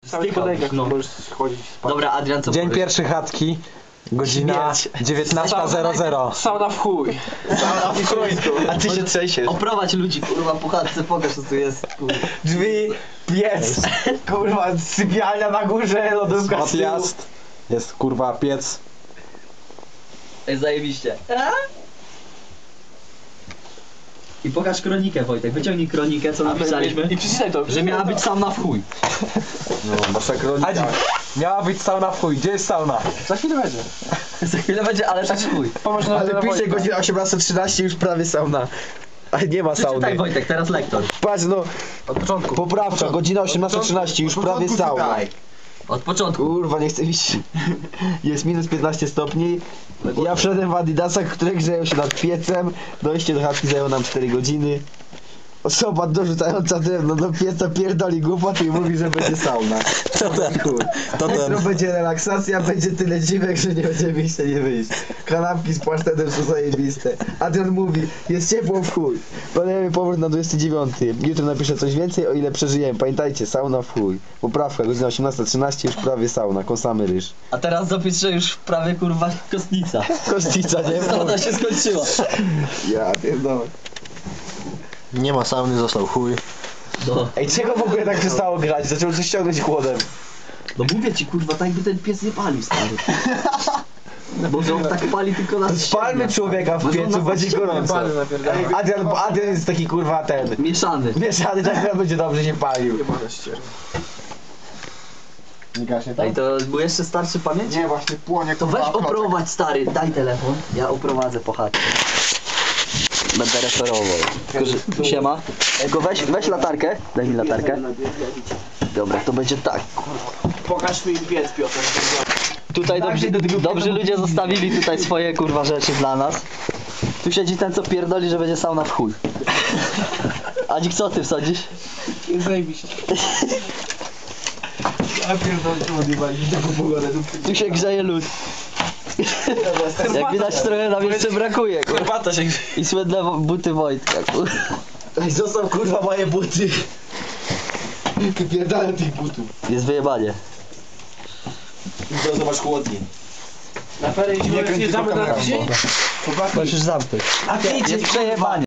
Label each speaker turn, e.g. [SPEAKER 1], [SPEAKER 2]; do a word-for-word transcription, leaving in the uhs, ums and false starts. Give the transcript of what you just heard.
[SPEAKER 1] W tych podejkach no. Możesz chodzić spać.
[SPEAKER 2] Dobra, Adrian, co
[SPEAKER 3] Dzień
[SPEAKER 2] powiesz?
[SPEAKER 3] pierwszy chatki, godzina dziewiętnasta zero zero.
[SPEAKER 1] Sauna w chuj.
[SPEAKER 4] Sauna w chuj. A ty się trzęsiesz.
[SPEAKER 2] Oprowadź ludzi, kurwa, po chatce, pokaż co tu jest, kurwa.
[SPEAKER 4] Drzwi, piec, kurwa, sypialnia na górze, lodówka z tyłu.
[SPEAKER 3] Odjazd. Jest kurwa piec.
[SPEAKER 2] Ej, zajebiście. I pokaż kronikę, Wojtek, wyciągnij kronikę, co napisaliśmy.
[SPEAKER 1] I przeczytaj to.
[SPEAKER 2] Że miała być sauna w chuj.
[SPEAKER 3] No, wasza kronika. Adzik, miała być sauna w chuj. Gdzie jest sauna?
[SPEAKER 1] Za chwilę będzie.
[SPEAKER 2] Za chwilę będzie, ale tak w chuj.
[SPEAKER 1] Pomoże nam
[SPEAKER 4] Ale
[SPEAKER 1] na
[SPEAKER 4] pisze
[SPEAKER 1] Wojtka.
[SPEAKER 4] godzina osiemnasta trzynaście, już prawie sauna. A nie ma
[SPEAKER 2] Przeczytaj,
[SPEAKER 4] sauny.
[SPEAKER 2] Wojtek, teraz lektor.
[SPEAKER 4] Patrz no,
[SPEAKER 1] Od początku.
[SPEAKER 4] poprawka, godzina osiemnasta trzynaście, już prawie sauna.
[SPEAKER 2] Od początku.
[SPEAKER 4] Kurwa, nie chcę iść. Jest minus piętnaście stopni. Ja wszedłem w adidasach, które grzeją się nad piecem. Dojście do chatki zajęło nam cztery godziny. Osoba dorzucająca drewno do pieca pierdoli głupoty i mówi, że będzie sauna.
[SPEAKER 3] To ten. To
[SPEAKER 4] Jutro
[SPEAKER 3] ten.
[SPEAKER 4] będzie relaksacja, będzie tyle dziwek, że nie będzie wyjścia, nie wyjść. Kanapki z pasztetem są zajebiste. Adrian mówi, jest ciepło w chuj. Planujemy powrót na dwudziesty dziewiąty. Jutro napiszę coś więcej, o ile przeżyjemy. Pamiętajcie, sauna w chuj. Poprawka, godzina osiemnasta trzynaście, już prawie sauna, kąsamy ryż.
[SPEAKER 2] A teraz zapisz, że już prawie, kurwa, kostnica.
[SPEAKER 4] Kościca, nie?
[SPEAKER 2] Sauna się skończyła.
[SPEAKER 4] Ja pierdolę.
[SPEAKER 3] Nie ma sauny, został chuj.
[SPEAKER 2] No.
[SPEAKER 4] Ej, czego w ogóle tak przestało grać? Zaczęło coś ściągnąć chłodem.
[SPEAKER 2] No mówię ci, kurwa, tak jakby ten pies nie palił, stary. Może on tak pali tylko na
[SPEAKER 4] Spalmy człowieka w piecu, będzie gorąco. Adrian, bo Adrian jest taki kurwa ten.
[SPEAKER 2] Mieszany.
[SPEAKER 4] Mieszany, tak będzie dobrze nie palił.
[SPEAKER 3] Nie gaśnie
[SPEAKER 2] Ej, to był jeszcze starszy pamięć?
[SPEAKER 3] Nie, właśnie płonie.
[SPEAKER 2] To weź oprowadź, stary, daj telefon. Ja oprowadzę po chatce. Będę referował. Tylko, że, siema. Tylko weź, weź latarkę. Daj mi latarkę. Dobra, to będzie tak.
[SPEAKER 1] Pokaż mi piec, Piotr.
[SPEAKER 2] Tutaj dobrzy, dobrzy ludzie zostawili tutaj swoje kurwa rzeczy dla nas. Tu siedzi ten, co pierdoli, że będzie sauna w chuj. Adzik, co ty wsadzisz?
[SPEAKER 1] Zajebiście.
[SPEAKER 4] Ja pierdolę, odjebali taką pogodę.
[SPEAKER 2] Tu się grzeje lód. Jak widać, trochę nam jeszcze brakuje, kurwa.
[SPEAKER 1] Herbata się
[SPEAKER 2] I słynne wo- buty Wojtka, kurwa.
[SPEAKER 4] Ej, zostaw kurwa moje buty. Wypierdalę tych butów.
[SPEAKER 2] Jest wyjebanie.
[SPEAKER 4] To zobacz chłodnie.
[SPEAKER 1] Na ferie
[SPEAKER 4] Nie kręć
[SPEAKER 1] jedziemy
[SPEAKER 4] tylko
[SPEAKER 1] na
[SPEAKER 4] kamerą,
[SPEAKER 1] tydzień.
[SPEAKER 2] Możesz zamknąć.
[SPEAKER 4] A ty
[SPEAKER 2] Jest przejebanie.